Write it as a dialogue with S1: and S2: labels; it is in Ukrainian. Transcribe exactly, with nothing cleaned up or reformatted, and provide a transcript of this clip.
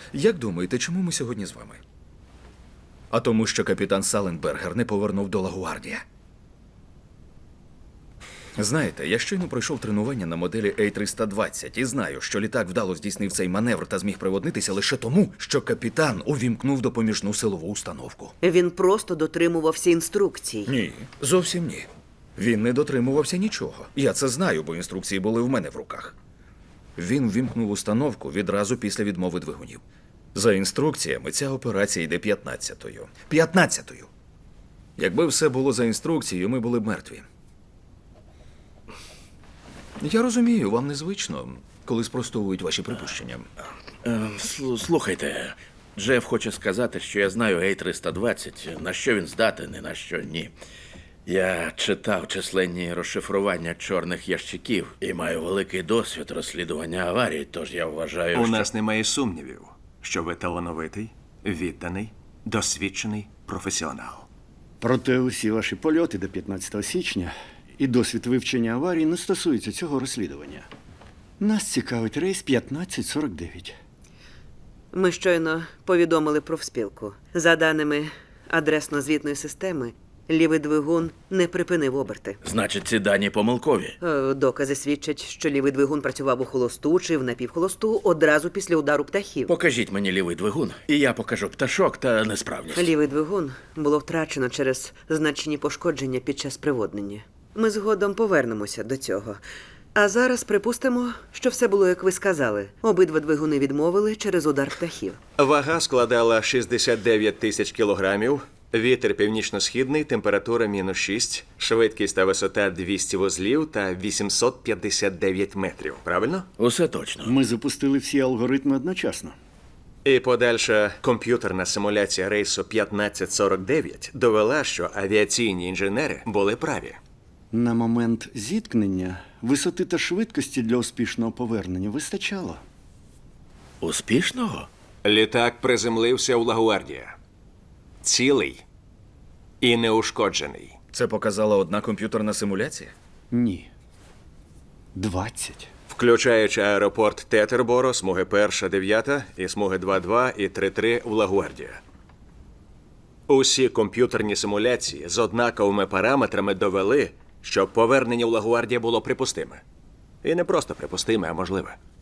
S1: Як думаєте, чому ми сьогодні з вами? А тому, що капітан Саленбергер не повернув до Лагуардія. Знаєте, я щойно пройшов тренування на моделі Ей триста двадцять і знаю, що літак вдало здійснив цей маневр та зміг приводнитися лише тому, що капітан увімкнув допоміжну силову установку.
S2: Він просто дотримувався інструкцій.
S1: Ні, зовсім ні. Він не дотримувався нічого. Я це знаю, бо інструкції були в мене в руках. Він ввімкнув установку відразу після відмови двигунів. За інструкціями, ця операція йде п'ятнадцятою. П'ятнадцятою! Якби все було за інструкцією, ми були б мертві. Я розумію, вам незвично, коли спростовують ваші припущення.
S3: Е, слу- Слухайте, Джеф хоче сказати, що я знаю Ей триста двадцять, на що він здатен і на що ні. Я читав численні розшифрування чорних ящиків і маю великий досвід розслідування аварій, тож я вважаю,
S4: У
S3: що...
S4: нас немає сумнівів, що ви талановитий, відданий, досвідчений професіонал.
S5: Проте усі ваші польоти до п'ятнадцятого січня і досвід вивчення аварій не стосуються цього розслідування. Нас цікавить рейс п'ятнадцять сорок дев'ять.
S2: Ми щойно повідомили профспілку. За даними адресно-звітної системи, лівий двигун не припинив оберти.
S3: Значить, ці дані помилкові.
S2: Е, Докази свідчать, що лівий двигун працював у холосту чи в напівхолосту одразу після удару птахів.
S3: Покажіть мені лівий двигун, і я покажу пташок та несправність.
S2: Лівий двигун було втрачено через значні пошкодження під час приводнення. Ми згодом повернемося до цього. А зараз припустимо, що все було, як ви сказали. Обидва двигуни відмовили через удар птахів.
S4: Вага складала шістдесят дев'ять тисяч кілограмів, вітер північно-східний, температура мінус шість, швидкість та висота двісті вузлів та вісімсот п'ятдесят дев'ять метрів. Правильно?
S3: Усе точно.
S5: Ми запустили всі алгоритми одночасно.
S4: І подальша комп'ютерна симуляція рейсу п'ятнадцять сорок дев'ять довела, що авіаційні інженери були праві.
S5: На момент зіткнення висоти та швидкості для успішного повернення вистачало.
S3: Успішного?
S4: Літак приземлився у Лагуардія. Цілий і неушкоджений.
S1: Це показала одна комп'ютерна симуляція?
S5: Ні. Двадцять.
S4: Включаючи аеропорт Тетерборо, смуги перша, дев'ята і смуги два-два і три-три в Лагуардія. Усі комп'ютерні симуляції з однаковими параметрами довели, що повернення в Лагуардія було припустиме. І не просто припустиме, а можливе.